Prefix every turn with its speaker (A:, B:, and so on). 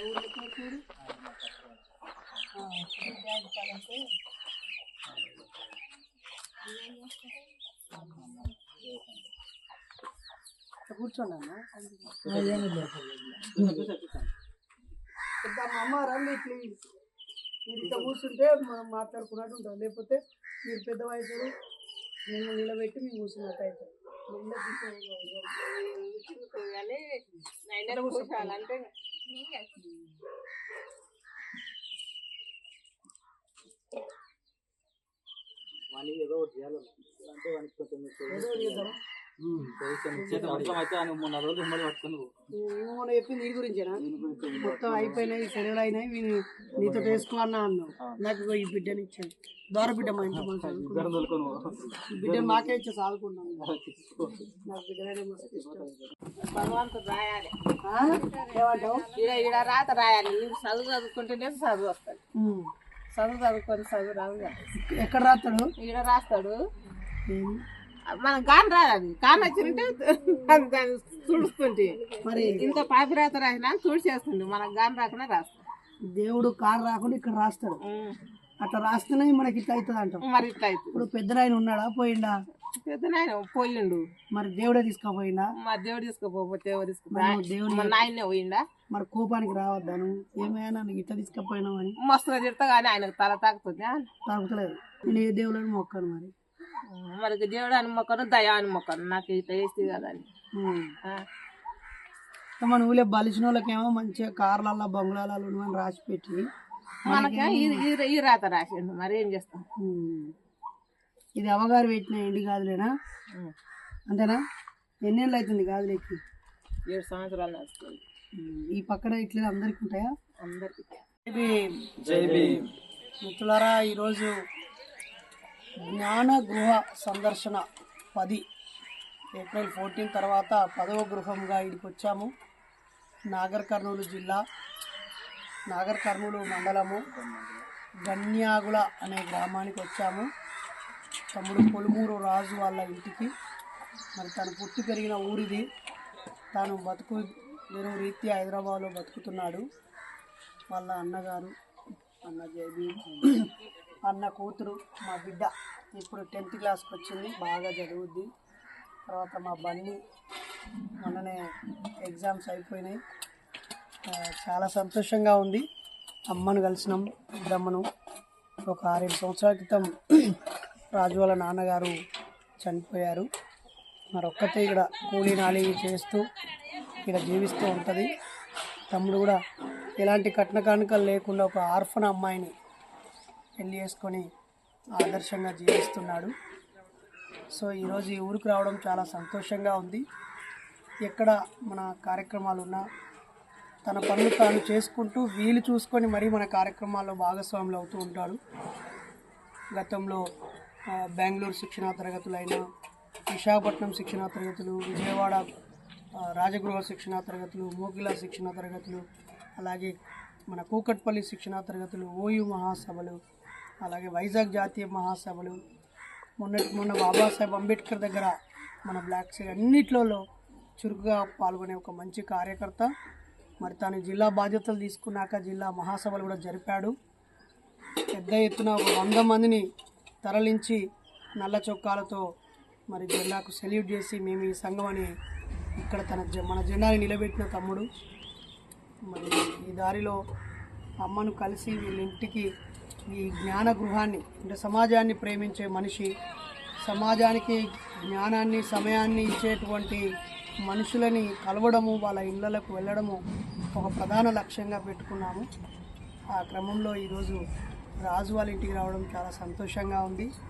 A: కూర్చోండి అన్న. అమ్మ రండి ప్లీజ్. మీరు ఇంత కూర్చుంటే మనం మాట్లాడుకున్నట్టు ఉంటాం, లేకపోతే మీరు పెద్ద వయసు నేను నిలబెట్టి మేము కూర్చున్నట్టు అవుతాం.
B: ఏదో చేయాలి అంటే వానికి కొంచెం
A: చెప్పింది నీ గురించేనా? మొత్తం అయిపోయినాయి, సెలవులు అయినాయి, నీతో వేసుకోవాలన్నా అన్నావు. నాకు ఈ బిడ్డని ఇచ్చాను, ద్వారా బిడ్డ మా ఇంట్లో బిడ్డను మాకే ఇచ్చా చదువుకున్నాను. నాకు బిడ్డనే మస్తు ఇష్టం.
C: భగవంతుడు రాయాలి,
A: ఏమంటావు?
C: ఈడ రాత రాయాలి. చదువు చదువుకుంటేనే చదువు వస్తుంది. చదువుకొని చదువు రాదు.
A: ఎక్కడ రాస్తాడు?
C: ఈడ రాస్తాడు. మనం కాని రాదు, కాని వచ్చింటే దాన్ని తుడుస్తుంటే మరి ఇంత పాపిరాత రాసినా తుడిచేస్తుంది. మనకు గాని రాకుండా రాస్తాడు.
A: దేవుడు కారు రాకుండా ఇక్కడ రాస్తాడు. అట్లా రాస్తేనే మనకి ఇట్లా అవుతుంది అంటాం.
C: మరి ఇట్లా అవుతుంది.
A: ఇప్పుడు పెద్దనాయన ఉన్నాడా పోయిండా?
C: పెద్దనాయన పోయిండు.
A: మరి దేవుడే తీసుకుపోయిందా?
C: మరి దేవుడు తీసుకుపోతే దేవుడు నాయనే పోయిండా?
A: మరి కోపానికి రావద్దాను, ఏమైనా ఇట్లా తీసుకుపోయినావు అని
C: మస్తుగా తిడతా కానీ ఆయనకు తల తాకుతుంది.
A: తాగుతలేదు. నేను ఏ దేవుళ్ళని మొక్కను.
C: మరి దేవుడు అని మొక్కను, దయా అని మొక్కను. నాకు ఇట్లా వేస్తే కదా అని.
A: మన ఊళ్ళో బలిసిన వాళ్ళకేమో మంచిగా కార్లల్లో బంగ్లాలలో అని రాసి పెట్టి
C: మనకి ఈ రాత రాసిండు. మరి ఏం చేస్తాం?
A: ఇది అమ్మగారు పెట్టిన ఎండి గాజులేనా? అంతేనా? ఎన్నేళ్ళు అవుతుంది గాజులెక్కి?
C: 7 సంవత్సరాలు నడుస్తుంది.
A: ఈ పక్కన ఇట్లా అందరికి ఉంటాయా?
C: అందరికి.
A: మిత్రులారా, ఈరోజు జ్ఞాన గృహ సందర్శన 10 ఏప్రిల్ 14 తర్వాత 10వ గృహంగా ఇక్కడికి వచ్చాము. నాగర్ కర్నూలు జిల్లా, నాగర్ కర్నూలు మండలము, గన్యాగుల అనే గ్రామానికి వచ్చాము. తమ్ముడు పొలుమూరు రాజు వాళ్ళ ఇంటికి. మరి తను పుట్టి పెరిగిన ఊరిది. తాను బతుకు వేరే రీత్యా హైదరాబాద్లో బతుకుతున్నాడు. వాళ్ళ అన్నగారు, అన్న జైబీ, అన్న కూతురు, మా బిడ్డ ఇప్పుడు 10th క్లాస్కి వచ్చింది, బాగా చదువుద్ది. తర్వాత మా బన్నీ మొన్ననే ఎగ్జామ్స్ అయిపోయినాయి. చాలా సంతోషంగా ఉంది. అమ్మను కలిసినాం, బ్రహ్మను. ఒక 6-7 సంవత్సరాల క్రితం రాజు వాళ్ళ నాన్నగారు చనిపోయారు. మరి ఒక్కతే ఇక్కడ కూలీ నాలి చేస్తూ ఇక్కడ జీవిస్తూ ఉంటుంది. తమ్ముడు కూడా ఎలాంటి కట్న కానుకలు లేకుండా ఒక ఆర్ఫన్ అమ్మాయిని పెళ్లి చేసుకొని ఆదర్శంగా జీవిస్తున్నాడు. సో ఈరోజు ఈ ఊరికి రావడం చాలా సంతోషంగా ఉంది. ఎక్కడ మన కార్యక్రమాలు ఉన్నా తన పనులు తాను చేసుకుంటూ వీలు చూసుకొని మరీ మన కార్యక్రమాల్లో భాగస్వాములు అవుతూ ఉంటాడు. గతంలో బెంగళూరు శిక్షణా తరగతులైన, విశాఖపట్నం శిక్షణా తరగతులు, విజయవాడ రాజగృహ శిక్షణా తరగతులు, మోగిల శిక్షణా తరగతులు, అలాగే మన కూకట్పల్లి శిక్షణా తరగతులు, ఓయూ మహాసభలు, అలాగే వైజాగ్ జాతీయ మహాసభలు, మొన్న బాబాసాహెబ్ అంబేద్కర్ దగ్గర మన బ్లాక్ సైడ్ అన్నిట్లలో చురుకుగా పాల్గొనే ఒక మంచి కార్యకర్త. మరి తాను జిల్లా బాధ్యతలు తీసుకున్నాక జిల్లా మహాసభలు కూడా జరిపాడు. పెద్ద ఎత్తున 100 మందిని తరలించి నల్ల చొక్కాలతో మరి జెండాకు సెల్యూట్ చేసి మేము ఈ సంఘం అని ఇక్కడ మన జెండాని నిలబెట్టిన తమ్ముడు. మరి ఈ దారిలో అమ్మను కలిసి వీళ్ళింటికి ఈ జ్ఞాన గృహాన్ని, అంటే సమాజాన్ని ప్రేమించే మనిషి, సమాజానికి జ్ఞానాన్ని సమయాన్ని ఇచ్చేటువంటి మనుషులని కలవడము, వాళ్ళ ఇళ్ళకు వెళ్ళడము ఒక ప్రధాన లక్ష్యంగా పెట్టుకున్నాము. ఆ క్రమంలో ఈరోజు రాజు వాళ్ళ ఇంటికి రావడం చాలా సంతోషంగా ఉంది.